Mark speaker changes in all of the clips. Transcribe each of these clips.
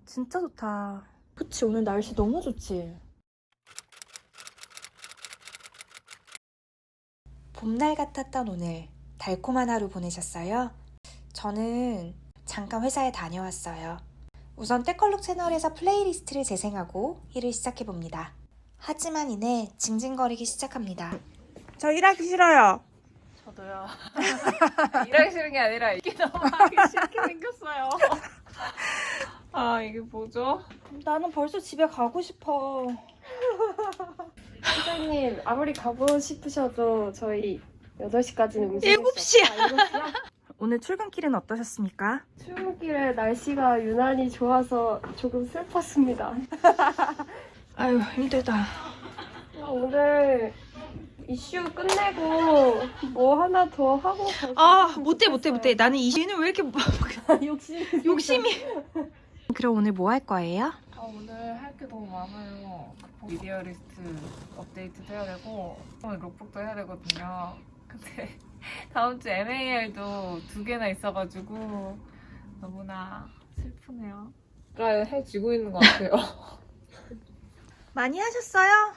Speaker 1: 진짜 좋다. 그치, 오늘 날씨 너무 좋지? 봄날 같았던 오늘 달콤한 하루 보내셨어요? 저는 잠깐 회사에 다녀왔어요. 우선 때컬룩 채널에서 플레이리스트를 재생하고 일을 시작해봅니다. 하지만 이내 징징거리기 시작합니다. 저 일하기 싫어요.
Speaker 2: 저도요. 일하기 싫은 게 아니라 이게 너무 하기 싫게 생겼어요. 아, 이게 뭐죠?
Speaker 1: 나는 벌써 집에 가고 싶어.
Speaker 3: 사장님, 아무리 가고 싶으셔도 저희 8시까지는 움직일
Speaker 1: 7시야.
Speaker 3: 7시야?
Speaker 1: 오늘 출근길은 어떠셨습니까?
Speaker 3: 출근길에 날씨가 유난히 좋아서 조금 슬펐습니다.
Speaker 1: 아유, 힘들다.
Speaker 3: 오늘 이슈 끝내고 뭐 하나 더 하고 갈수
Speaker 1: 아,
Speaker 3: 있으면
Speaker 1: 못해.
Speaker 3: 좋겠어요.
Speaker 1: 나는 이 시는 왜 이렇게 욕심이. 그럼 오늘 뭐 할 거예요?
Speaker 2: 아, 오늘 할 게 너무 많아요. 미디어 리스트 업데이트도 해야 되고 오늘 록북도 해야 되거든요. 근데 다음 주 MAL도 2개나 있어가지고 너무나 슬프네요. 해지고 있는 것 같아요.
Speaker 1: 많이 하셨어요?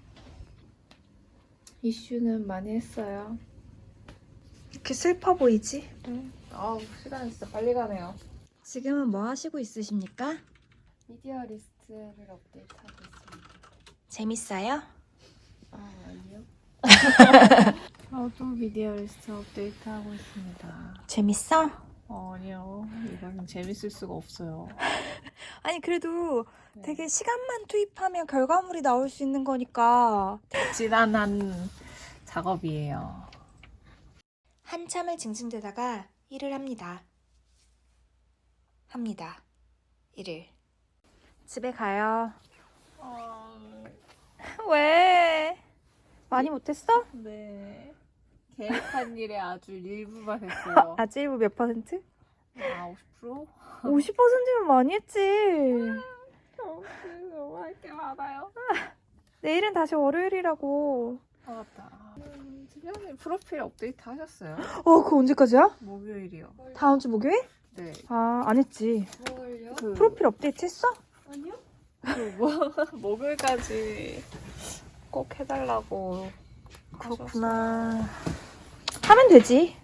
Speaker 2: 이슈는 많이 했어요.
Speaker 1: 이렇게 슬퍼 보이지?
Speaker 2: 아우, 시간이 진짜 빨리 가네요.
Speaker 1: 지금은 뭐 하시고 있으십니까?
Speaker 3: 미디어 리스트를 업데이트하고 있습니다.
Speaker 1: 재밌어요?
Speaker 3: 아, 아니요.
Speaker 2: 저도 미디어 리스트 업데이트 하고 있습니다.
Speaker 1: 재밌어?
Speaker 2: 아니요. 이거는 재밌을 수가 없어요.
Speaker 1: 아니 그래도
Speaker 2: 네.
Speaker 1: 되게 시간만 투입하면 결과물이 나올 수 있는 거니까.
Speaker 2: 지난한 작업이에요.
Speaker 1: 한참을 징징대다가 일을 합니다. 일을. 집에 가요. 왜? 많이 못했어?
Speaker 2: 네. 계획한 일에 아주 일부만 했어요.
Speaker 1: 아직 일부 몇 %?
Speaker 2: 아, 50%?
Speaker 1: 50%면 많이 했지.
Speaker 2: 너무 할 게 많아요.
Speaker 1: 내일은 다시 월요일이라고.
Speaker 2: 아, 맞다. 지난해 프로필 업데이트 하셨어요?
Speaker 1: 그거 언제까지야?
Speaker 2: 목요일이요.
Speaker 1: 다음 주 목요일?
Speaker 2: 네.
Speaker 1: 아, 안 했지.
Speaker 3: 뭘요?
Speaker 1: 프로필 업데이트 했어?
Speaker 3: 아니요?
Speaker 2: 목요일까지 꼭 해달라고.
Speaker 1: 그렇구나. 하면 되지.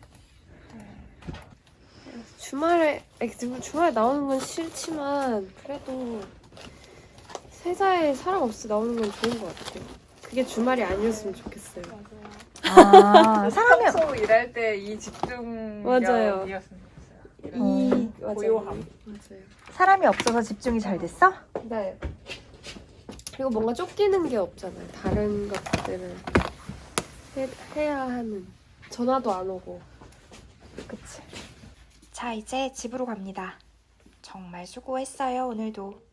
Speaker 3: 주말에 나오는 건 싫지만 그래도 회사에 사람 없이 나오는 건 좋은 것 같아요. 그게 주말이 아니었으면 좋겠어요.
Speaker 1: 아, 사람이
Speaker 2: 평소 일할 때 이 집중력이었으면
Speaker 3: 맞아요.
Speaker 2: 좋겠어요.
Speaker 3: 맞아요.
Speaker 2: 고요함.
Speaker 3: 맞아요.
Speaker 1: 사람이 없어서 집중이 잘 됐어?
Speaker 3: 네. 그리고 뭔가 쫓기는 게 없잖아요. 다른 것들을 해야 하는. 전화도 안 오고.
Speaker 1: 그치. 자, 이제 집으로 갑니다. 정말 수고했어요, 오늘도.